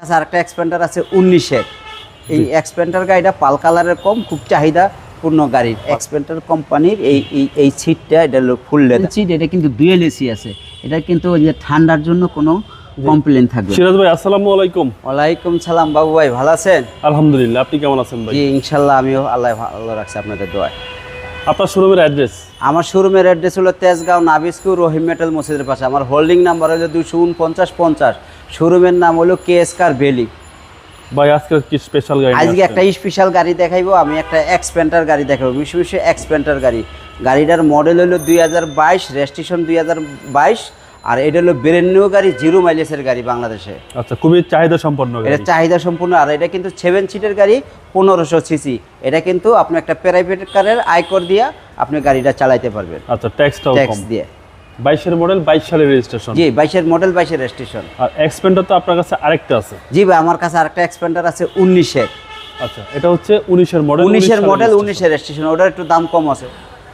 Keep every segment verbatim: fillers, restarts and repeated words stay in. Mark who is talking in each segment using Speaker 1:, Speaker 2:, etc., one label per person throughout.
Speaker 1: আচ্ছা, আরেকটা এক্সপেন্ডার আছে উনিশের। এই এক্সপেন্ডার গাড়িটা পাল কালারের কম, খুব চাহিদা পূর্ণ গাড়ির। এক্সপেন্ডার কোম্পানির এই এই এই সিটটা, এটা হলো ফুল লেদার সিট। এটা কিন্তু ডুয়েল এসি আছে। এটা কিন্তু ওই যে ঠান্ডার জন্য কোনো কমপ্লেন থাকবে।
Speaker 2: সিরাজ ভাই আসসালামু আলাইকুম।
Speaker 1: ওয়ালাইকুম সালাম বাবু ভাই, ভালো আছেন?
Speaker 2: আলহামদুলিল্লাহ, আপনি কেমন আছেন ভাই?
Speaker 1: জি ইনশাল্লাহ, আমিও আল্লাহ ভালো রাখছি আপনাদের দোয়ায়।
Speaker 2: আপনার শোরুমের অ্যাড্রেস?
Speaker 1: আমার শোরুমের অ্যাড্রেস হলো তেজগাঁও নাবিস্কুর রহিম মেটাল মসজিদের পাশে। আমার হোল্ডিং নাম্বার হলো দুশো উনপঞ্চাশ পঞ্চাশ। শোরুমের নাম হলো কে এস কার ভ্যালি।
Speaker 2: ভাই আজকে কি স্পেশাল গাড়ি?
Speaker 1: আজকে একটা স্পেশাল গাড়ি দেখাইবো। আমি একটা এক্সপেন্টার গাড়ি দেখাবো, বিশেষ বিশেষ এক্সপেন্টার গাড়ি। গাড়িটার মডেল হলো দুই হাজার বাইশ, রেজিস্ট্রেশন দুই হাজার বাইশ। আর এটা হলো ব্র্যান্ড নিউ গাড়ি, জিরো মাইলেজের গাড়ি বাংলাদেশে।
Speaker 2: আচ্ছা, খুবই চাহিদা সম্পন্ন গাড়ি।
Speaker 1: এটা চাহিদা সম্পূর্ণ। আর এটা কিন্তু সেভেন সিটের গাড়ি, পনেরোশো সিসি। এটা কিন্তু আপনি একটা প্রাইভেট কারের আয়কর দিয়ে আপনি গাড়িটা চালাইতে পারবেন।
Speaker 2: আচ্ছা, ট্যাক্সটাও
Speaker 1: ট্যাক্স
Speaker 2: কম।
Speaker 1: দিয়ে।
Speaker 2: বাইশের মডেল, বাইশ সালের রেজিস্ট্রেশন।
Speaker 1: জি, বাইশের মডেল, বাইশের রেজিস্ট্রেশন।
Speaker 2: আর এক্সপেন্ডার তো আপনার কাছে আরেকটা আছে?
Speaker 1: জি ভাই, আমার কাছে আরেকটা এক্সপেন্ডার আছে উনিশের।
Speaker 2: আচ্ছা, এটা হচ্ছে উনিশের মডেল।
Speaker 1: উনিশের মডেল, উনিশের রেজিস্ট্রেশন। ওটার একটু দাম কম আছে।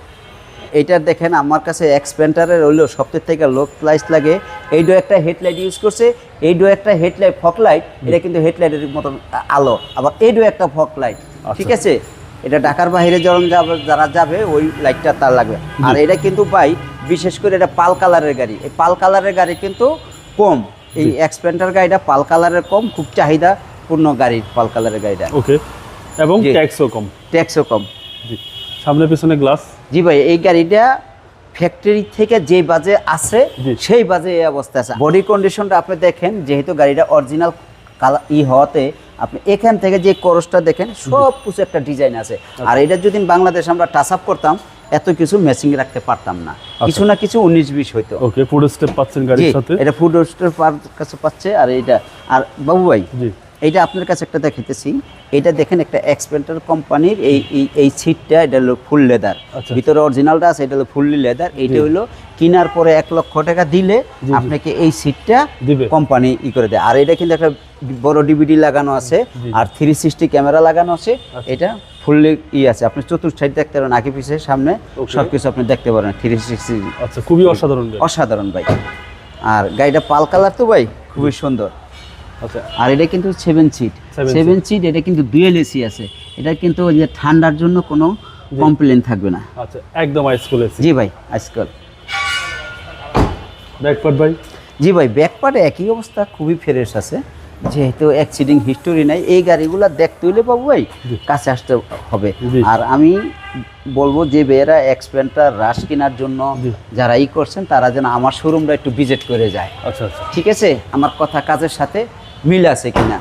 Speaker 1: এইটা দেখেন, আমার কাছে এক্সপেন্টারের হইলেও সবথেকে থেকে লো প্রাইস লাগে। এইডো একটা হেডলাইট ইউজ করছে, এইডো একটা হেডলাইট ফক লাইট। এটা কিন্তু হেডলাইটের মতন আলো। আবার এইডো একটা ফক লাইট, ঠিক আছে? এটা ঢাকার বাইরে যখন যাবে, যারা যাবে ওই লাইটটা তার লাগবে। আর এটা কিন্তু ভাই বিশেষ করে এটা পাল কালারের গাড়ি। এই পাল কালারের গাড়ি কিন্তু কম। এই এক্সপেন্টার গাড়িটা পাল কালারের কম, খুব চাহিদা পূর্ণ গাড়ি পাল কালারের গাড়িটা।
Speaker 2: ওকে, এবং ট্যাক্সও কম।
Speaker 1: ট্যাক্সও কম।
Speaker 2: জি, সামনে পিছনে গ্লাস।
Speaker 1: জি ভাই, এই গাড়িটা ফ্যাক্টরি থেকে যে বাজে আছে সেই বাজে এই অবস্থা আছে। বডি কন্ডিশনটা আপনি দেখেন, যেহেতু গাড়িটা অরিজিনাল কালার ই হওয়াতে আপনি এখান থেকে যে করসটা দেখেন, সব কিছু একটা ডিজাইন আছে। আর এটা যদি বাংলাদেশ আমরা টাচ আপ করতাম, এত কিছু ম্যাচিং রাখতে পারতাম না। কিছু না কিছু উনিশ বিশ হইতো।
Speaker 2: ওকে, ফুড স্টেপ পাচ্ছেন গাড়ির সাথে।
Speaker 1: এটা ফুড স্টেপ কাছে পাচ্ছে। আর এইটা, আর বাবু ভাই
Speaker 2: জি,
Speaker 1: এইটা আপনার কাছে একটা দেখাইতেছি। এটা দেখেন, একটা এক্সপেন্টার কোম্পানির এই এই সিটটা, এটা হলো ফুল লেদার। ভিতরে অরিজিনালটা আছে, এটা হলো ফুললি লেদার। এইটা হলো কিনার পরে এক লক্ষ টাকা দিলে আপনাকে এই সিটটা কোম্পানি ই করে দেয়। আর এটা কিন্তু একটা বড় ডিভিডি লাগানো আছে, আর থ্রি সিক্সটি ক্যামেরা লাগানো আছে। এটা ফুললি ই আছে, আপনি চতুর্থ সাইড দেখতে পারেন, আগে পিছে সামনে সবকিছু আপনি দেখতে পারেন থ্রি সিক্সটি।
Speaker 2: আচ্ছা, খুবই অসাধারণ,
Speaker 1: অসাধারণ ভাই। আর গাড়িটা পাল কালার তো ভাই খুবই সুন্দর।
Speaker 2: আচ্ছা,
Speaker 1: আর এটা কিন্তু সেভেন সিট, সেভেন সিট। এটা কিন্তু ডুয়েল এসি আছে। এটা কিন্তু ওই যে ঠান্ডার জন্য কোনো কমপ্লেন থাকবে না।
Speaker 2: আচ্ছা, একদম আইসকোল এসি।
Speaker 1: জি ভাই, আজকাল
Speaker 2: ব্যাকপার্ট ভাই? জি
Speaker 1: ভাই, ব্যাকপার্টে একই অবস্থা, খুবই ফ্রেশ আছে। যেহেতু অ্যাক্সিডিং হিস্টোরি নাই, এই গাড়িগুলো দেখতে হইলে পাবো ভাই কাছে আসতে হবে। আর আমি বলবো যে বেয়েরা এক্সপেন্টার রাশ কেনার জন্য যারা ই করছেন, তারা যেন আমার শোরুমটা একটু ভিজিট করে যায়।
Speaker 2: আচ্ছা আচ্ছা,
Speaker 1: ঠিক আছে? আমার কথা কাজের সাথে মিল আছে কিনা।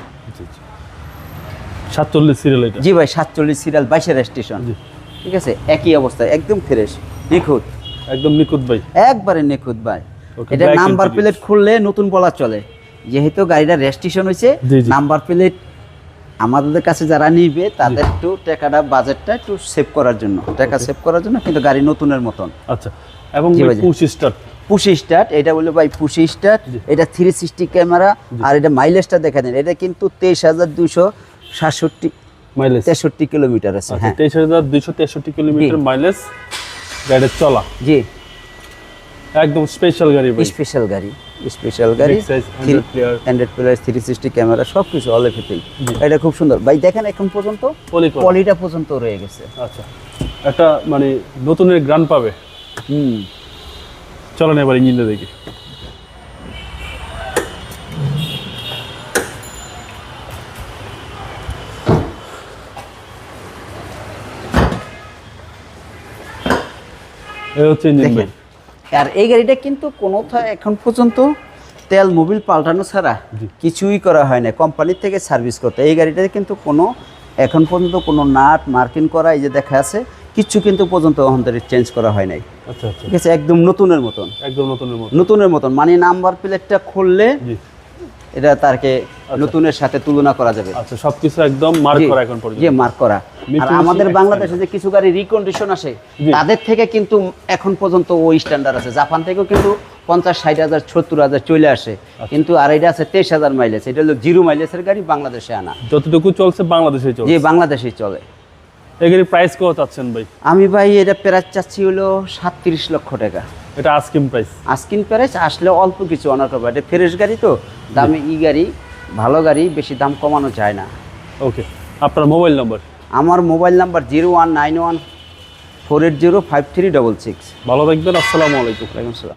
Speaker 2: সাতচল্লিশ সিরিয়াল এটা?
Speaker 1: জি ভাই, সাতচল্লিশ সিরিয়াল, বাইশের স্টেশন। ঠিক আছে, একই অবস্থা, একদম ফ্রেশ, নিখুঁত,
Speaker 2: একদম নিখুঁত ভাই,
Speaker 1: একবারে নিখুঁত ভাই। এটা নাম্বার প্লেট খুললে নতুন বলা চলে। যেহেতু গাড়িটা রেজিস্ট্রেশন হয়েছে, নাম্বার প্লেট আমাদের কাছে যারা নিবে তাদের একটু টাকাটা, বাজেটটা একটু সেভ করার জন্য, টাকা সেভ করার জন্য, কিন্তু গাড়ি নতুনের মতন।
Speaker 2: আচ্ছা, এবং পুশ স্টার্ট,
Speaker 1: পুশ স্টার্ট। এটা বলে ভাই পুশ স্টার্ট। এটা থ্রি সিক্সটি ক্যামেরা। আর এটা মাইলেজটা দেখা দেন, এটা কিন্তু তেইশ হাজার দুইশো সাতষট্টি মাইলেজ, তেষট্টি কিলোমিটার আছে। হ্যাঁ,
Speaker 2: তেইশ হাজার দুইশো তেষট্টি কিলোমিটার মাইলেজ গাড়ির চলা।
Speaker 1: জি,
Speaker 2: একদম স্পেশাল গাড়ি ভাই,
Speaker 1: স্পেশাল গাড়ি, স্পেশাল গাড়ি। Hundred plus, three sixty camera, সব কিছু অল এভরিথিং। এটা খুব সুন্দর ভাই। দেখেন এখন পর্যন্ত পলিটা পর্যন্ত রয়ে গেছে।
Speaker 2: আচ্ছা, একটা মানে নতুনের গ্রান পাবে।
Speaker 1: হুম,
Speaker 2: চলেন এবার ইঞ্জিনটা দেখি। এই হচ্ছে ইঞ্জিন ভাই।
Speaker 1: আর এই গাড়িটা কিন্তু কোনোটা এখন পর্যন্ত তেল মোবিল পাল্টানো ছাড়া কিছুই করা হয় না কোম্পানির থেকে সার্ভিস করতে। এই গাড়িটাতে কিন্তু কোনো এখন পর্যন্ত কোনো নাট মার্কিং করা, এই যে দেখা আছে, কিছু কিন্তু পর্যন্ত অন্তরে চেঞ্জ করা হয় নাই।
Speaker 2: আচ্ছা আচ্ছা,
Speaker 1: ঠিক আছে, একদম নতুনের মতন,
Speaker 2: একদম নতুনের মতন,
Speaker 1: নতুনের মতন। মানে নাম্বার প্লেটটা খুললে এটা তারকে নতুনের সাথে তুলনা করা যাবে।
Speaker 2: আচ্ছা, সবকিছু একদম মার্ক করা এখন পর্যন্ত।
Speaker 1: জি, মার্ক করা। আর আমাদের বাংলাদেশে যে কিছু গাড়ি রিকন্ডিশন আসে, তাদের থেকে কিন্তু এখন পর্যন্ত ওই স্ট্যান্ডার্ড আছে। জাপান থেকেও কিন্তু পঞ্চাশ ষাট হাজার সত্তর হাজার চলে আসে, কিন্তু আর এটা আছে তেইশ হাজার মাইলেজ। এটা হলো জিরো মাইলেজের গাড়ি, বাংলাদেশে আনা।
Speaker 2: যতটুকু চলছে বাংলাদেশে চলে।
Speaker 1: জি, বাংলাদেশেই চলে।
Speaker 2: এই গাড়ির প্রাইস কত চাচ্ছেন ভাই?
Speaker 1: আমি ভাই এটা প্রাইস চাচ্ছি হলো সাতত্রিশ লক্ষ টাকা।
Speaker 2: এটা আস্কিং প্রাইস?
Speaker 1: Asking price. আসলে অল্প কিছু অনার করবো, এটা ফ্রেশ গাড়ি তো, দামে ই গাড়ি ভালো গাড়ি বেশি দাম কমানো যায় না।
Speaker 2: ওকে, আপনার মোবাইল নাম্বার?
Speaker 1: আমার mobile number zero one nine one four eight zero five three double six.
Speaker 2: ভালো থাকবেন, আসসালামু আলাইকুম।
Speaker 1: ওয়ালাইকুম আসসালাম।